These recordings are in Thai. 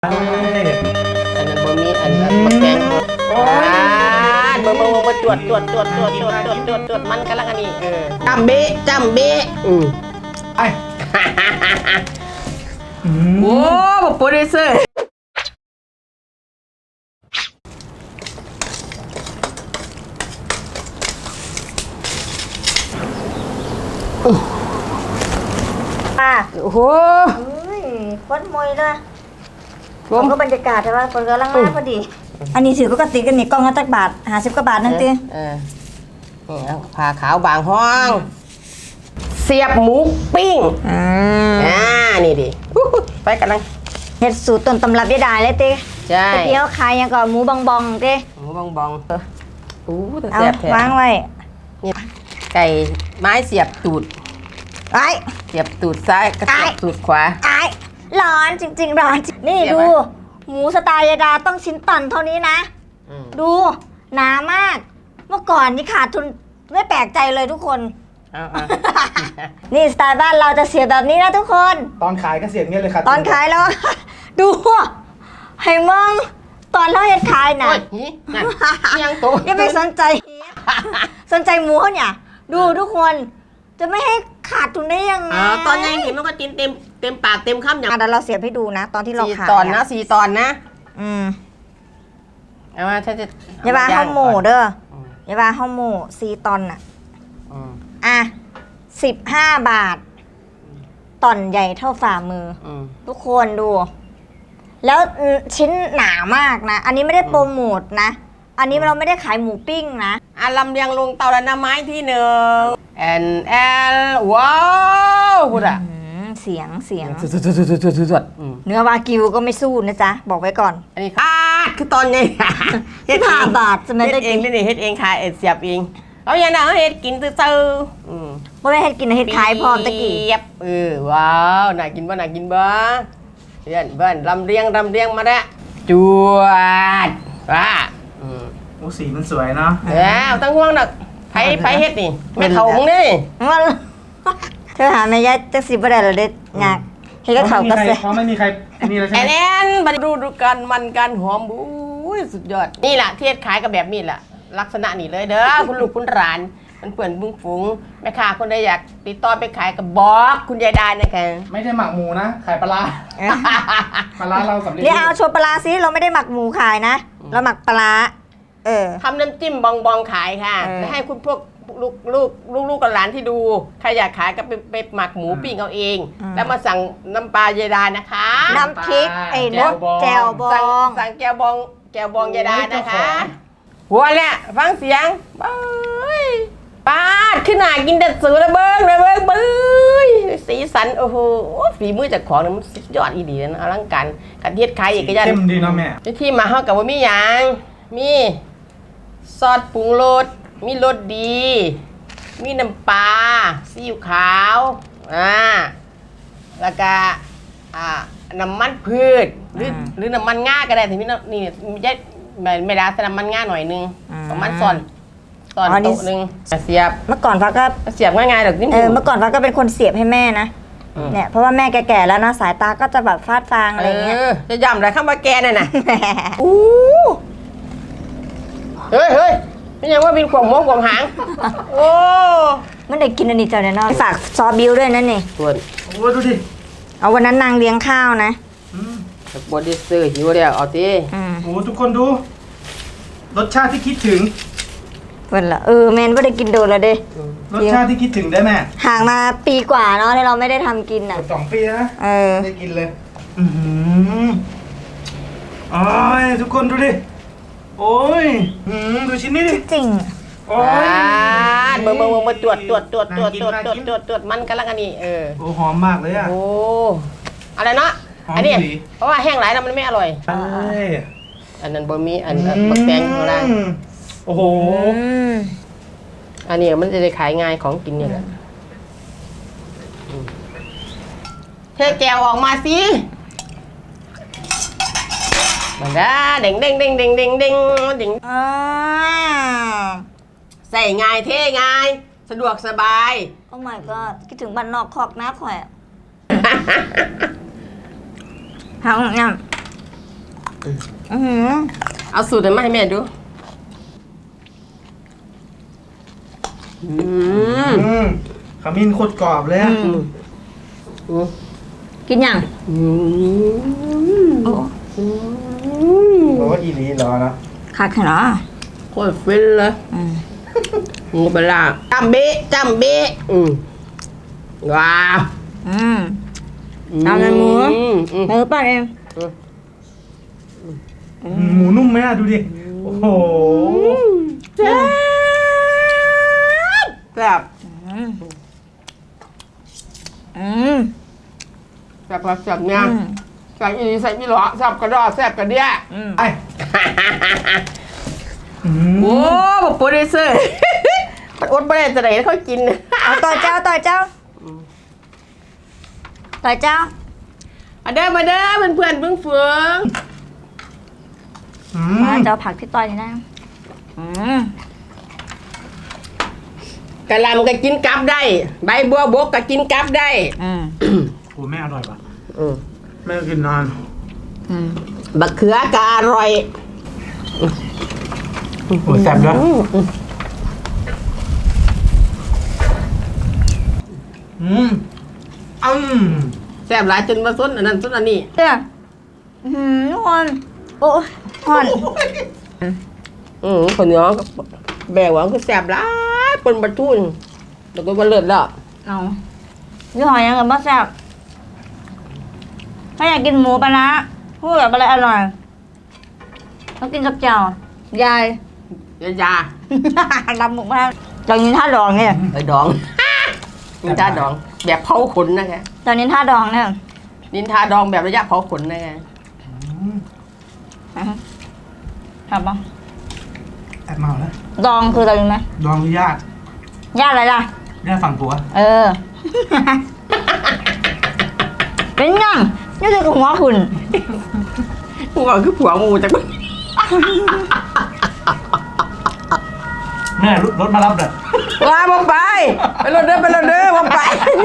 อันนั้นบ่มีอันนั้นบ่แกงบ่บ่จวดมันกำลังอันนี้จำเบะไอ้โอ้โปรดิวเซอร์โอ้โหโคตรมวยเลยผมก็บรรยากาศใช่ป่ะคนกำลังมาพอดีอันนี้ถือปกติกันนี่กล้องละจักบาท50 กว่าบาทนั่นตินี่ผ้าขาวบางห้องเสียบหมูปิ้งนี่ดิไปกันลังเฮ็ดสูตรต้นตำรับยายดาเลยติใช่เดี๋ยวขายยังก็หมูบองติหมูบองแต่เอาแซ่บแท้วางไว้นี่ไก่ไม้เสียบตูดไอ้เสียบตูดซ้ายกระเสียบตูดขวาไอ้ร้อนจริงๆร้อนนี่ดูหมูสไตล์ยายดาต้องชิ้นตันเท่านี้นะดูหนามากเมื่อก่อนนี่ขาดทุนไม่แปลกใจเลยทุกคนนี่สไตล์บ้านเราจะเสียแบบนี้นะทุกคนตอนขายก็เสียงเงี้ยเลยครับตอนขายแล้วดูให้มองตอนเราเฮ็ดขายน่ะยังโตยังไม่สนใจหมูเขาเนี่ยดูทุกคนจะไม่ให้ขาดทุนได้ยังไงตอนยังเห็นมันก็กินเต็มปากเต็มคำอย่างเดี๋ยวเราเสียบให้ดูนะตอนที่เราขาย 4 ตอนนะ4 ตอนนะเอามาถ้าจะอย่าว่าข้าวหมูเด้ออย่าว่าข้าวหมู4 ตอนน่ะ15 บาทตอนใหญ่เท่าฝ่ามือทุกคนดูแล้วชิ้นหนามากนะอันนี้ไม่ได้โปรโมทนะอันนี้เราไม่ได้ขายหมูปิ้งนะลำเลียงลงเตาละน้ำไม้ที่1แอนว้าวพูดเสียงสุดเนื้อวากิวก็ไม่สู้นะจ๊ะบอกไว้ก่อนอันนี้คือตอนไง 15 บาทจะไม่ได้กินเฮ็ดเองขายเสียบเองเอาอย่างนั้นเฮ็ดกินซื่อบ่ได้เฮ็ดกินเฮ็ดขายพร้อมตะกี้ว้าวน่ากินบ่เพื่อนลำเลียงมาแล้วจวดโอ้สีมันสวยเนาะแล้วตั้งห่วงดอกไผเฮ็ดนี่แม่เฒ่ามึงนี่เธอหาแม่ยายจักสิบ่ได้แล้วเด้ยากเฮ็ดกับเขาก็เสียเพราะไม่มีใครนี่แล้วใช่ไหมบัดดูกันมันกันหอมอุ้ยสุดยอดนี่แหละที่เฮ็ดขายกับแบบนี้แหละลักษณะนี้เลยเด้อคุณลูกคุณหลานมันเปื่อนบุ้งฝูงแม่ค้าคนใดอยากติดต่อไปขายกับบอกคุณยายดานะคะไม่ได้หมักหมูนะขายปลาเราสำเร็จนี่เอาโชว์ปลาซิเราไม่ได้หมักหมูขายนะเราหมักปลาทำน้ำจิ้มบองขายค่ะและให้คุณพวกลูกกับหลานที่ดูใครอยากขายก็ไปหมักหมูปิ้งเอาเองแล้วมาสั่งน้ำปลายายดานะคะน้ำพริกรสแจ่วบองสั่งแจ่วบองยายดานะคะหัวแหละฟังเสียงป้าขึ้นหน้ากินแต่สือระเบิ้งสีสันโอ้โหฝีมือจากของมันสุดยอดอีดีนะอลังการการเทียดขายอีกอย่างเข้มดีนะแม่ที่มาเข้ากับว่ามีอย่างมีซอสปรุงรสมีรสดีมีน้ำปลาซีอิ๊วขาวแล้วก็น้ำมันพืชหรือน้ำมันง่าก็ได้ถึงนี่ไม่ได้ใส่น้ำมันง่าหน่อยนึงประมาณตอนโต๊ะนึงเสียบเมื่อก่อนฟ้าก็เสียบง่ายๆหรอกนี่เมื่อก่อนฟ้าก็เป็นคนเสียบให้แม่นะเนี่ยเพราะว่าแม่แก่ๆแล้วนะสายตาก็จะแบบฟาดฟางอะไรเงี้ยจะย่ำอะไรข้ามมาแกน่ะนะเฮ้ยไม่ยังว่าบินขวงม้วงขวงหางโอ้มันได้กินอันนี้เจ้าเนี่ยน้อยฝากซอบิวด้วยนั่นนี่โอ้ดูดิเอาวันนั้นนางเลี้ยงข้าวนะบอดี้เซอร์หิวแล้วเอาดิโอ้ทุกคนดูรสชาติที่คิดถึงเวลาแมนไม่ได้กินโดนแล้วเด้รสชาติที่คิดถึงได้แม่ห่างมาปีกว่าเนาะที่เราไม่ได้ทำกินอ่ะ 2 ปีนะได้กินเลยโอ้ยทุกคนดูดิโอ้ยดูชิ้นนี้ดิจริงโอ้ยเบิ่งตรวจมันกำลังอันนี้โอ้หอมมากเลยอ่ะโอ้อะไรเนาะอันนี้เพราะว่าแห้งหลายแล้วมันไม่อร่อยอันนั้นบะหมี่อันบักแตงของเราโอ้โหอันนี้มันจะได้ขายง่ายของกินเนี่ยแหละเทแก้วออกมาสิมันได้เด้งใส่ง่ายเท่ง่ายสะดวกสบายโอ้ my god คิดถึงบ้านนอกคอกนะข่อยหางอื้อหือเอาสูตรนั้นมาให้แม่ดูอืมขมิ้นโคตรกรอบเลยอะกินยังอืมโอ้โอ้อีหลีรอนะคักเหรอโคตรฟินเลยอืมงูปลาจำเบะว้าวอืม เอาเลยหมูอืมมือป้าเองหมูนุ่มไหมอะดูดิ โอ้โหแซ่บแซ่บอืมอืมแซ่บครับแซ่บเนี่ยอืมใส่อีใส่มีหลอแซ่บกระดอแซ่บกระเดี้ยอืมไอ้อืมโอ้บอกโปรดิวเซอร์ มันอดไม่ได้จะไหนเขากินเอาต่อยเจ้าต่อยเจ้าต่อยเจ้ามาเด้อเพื่อนเพิ่งเฟืองอืมาม เจ้าผักที่ต่อยนี่นะอืมกะหล่ำก็กินกับได้ ใบบัวบกก็กินกับได้อืมโอ้แม่อร่อยปะอืมแม่กินนานอืมบักเขือก็อร่อยโอ้แซ่บด้วยอืมแซ่บหลายจนมาส้นอันนั้นส้นอันนี้เด้ออืมทุกคนโอ้ยห่อนคนเหนียวก็แบกหวังคือแซ่บหลายปนบะทุนแล้วก็บะเลิศแล้วเอายี่ห้อยังกับบ้าแซ่บถ้าอยากกินหมูปลาร้าพูดแบบอะไรอร่อยต้องกินกับเจ้ายายยาลำหมกมากตอนนี้ท่าดองเนี่ยไอ้ดอง นินทาดอง แบบเผาขนนะแกตอนนี้ท่าดองเนี่ยนินทาดองแบบระยะเผาขนนะแกครับปะแอบเมาแล้วดองคืออะไรรู้ไหมดองญาติญาติอะไรล่ะญาติฝั่งผัวเออ เป็นยังนี่คือหัวคุณกูบอกคือผัวงูจากแม่รถมารับเด้อว่าบ่ไปไปรถเด้อบ่ไป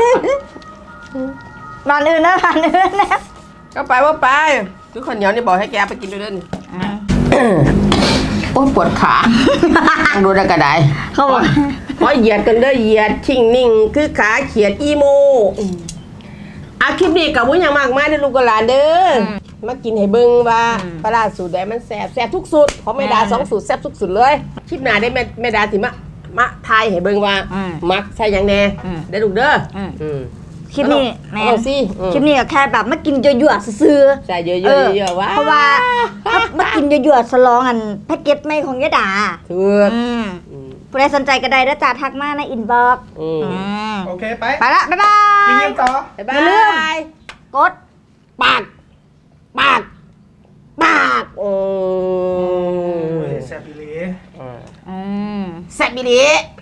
บ้านอื่นนะบ้านอื่นนะก็ไปบ่ไปคือคนเหนียวนี่บอกให้แกไปกินด้วยเด้ออืมโอ้ยปวดขาต้องดูได้กระไดเขาบอกขอเหยียดกันเด้อเหยียดชิ่งนิ่งคือขาเขียดอีโมอาคลิปนี้กับวุ้นอย่างมากมายเด้อลูกกับหลานเด้อมากินให้เบิ่งว่าปลาร้าสูตรใดมันแซ่บทุกสูตรของแม่ดา2สูตรแซ่บทุกสูตรเลยคลิปหน้าได้แม่ดาสิมาทายให้เบิ่งว่ามักใส่หยังแน่ได้อลูกเด้ออืมคลิปนี้แม่เอาสิคลิปนี้ก็แค่แบบมากินยั่วๆซื้อๆใส่เยอะๆเออเยอะๆว่าเพราะว่ามากินยั่วๆสลองอันแพ็กเกจไม่ของยะดาถูกผู้ใดสนใจก็ได้แล้วจ้าทักมาในอินบ็อกซ์โอเคไปไปละ บ๊ายบากินยกันต่อบ๊ายบาอย่าลืมยกดปากโอ้โอ้ยแซ่บอีหลีอืมแซ่บอีหลี